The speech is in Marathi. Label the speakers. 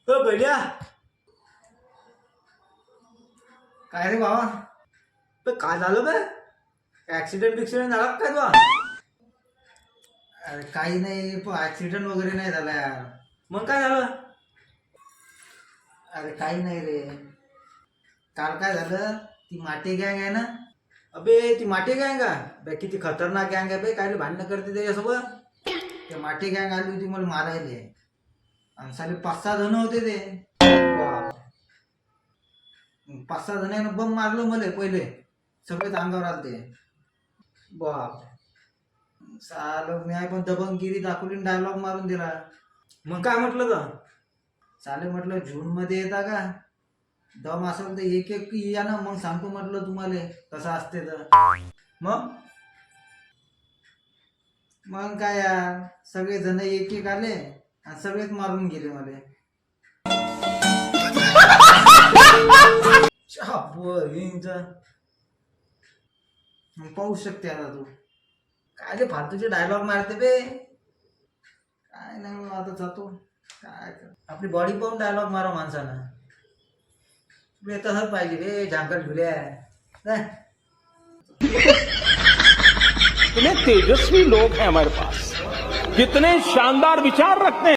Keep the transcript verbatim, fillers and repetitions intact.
Speaker 1: हो बढिया.
Speaker 2: काय रे बाबा?
Speaker 1: पण काय झालं बे? ऍक्सिडेंट बिक्सिडेंट झाला का काय तुला?
Speaker 2: अरे काही नाही, पण ऍक्सिडेंट वगैरे नाही झाला यार.
Speaker 1: मग काय झालं?
Speaker 2: अरे काही नाही रे. काल काय झालं, ती माटे गँग आहे ना,
Speaker 1: अबे ती माटे गँग का बे? किती खतरनाक गँग आहे बे. काय भांडणं करते त्याच्यासोबत?
Speaker 2: त्या माटे गँग आली होती मला मारायले. आणि साले पाच सहा जण होते ते.
Speaker 1: बाप.
Speaker 2: पाच सहा जणांना बम मारलं मला पहिले. सगळेच अंगावर आलते.
Speaker 1: बाप.
Speaker 2: साल मी पण दबंगगिरी दाखवली, डायलॉग मारून दिला.
Speaker 1: मग काय म्हटलं तर?
Speaker 2: चाले म्हटलं जून मध्ये येता का? दम असेल तर एक एक या ना, मग सांगतो म्हटलं तुम्हाला कसं असते तर.
Speaker 1: मग
Speaker 2: मग काय यार, सगळे जण एक एक आले आणि सगळेच मारून गेले मला. मग पाहू शकते आता तू. काय रे फालतूचे डायलॉग मारते बे. काय नाही बाबा, आता जातो. काय कर, आपली बॉडी पाहून डायलॉग मारा माणसानं. बे तसंच पाहिजे रे, झांकट झुल्या.
Speaker 3: कितने तेजस्वी लोग हैं हमारे पास, कितने शानदार विचार रखते हैं.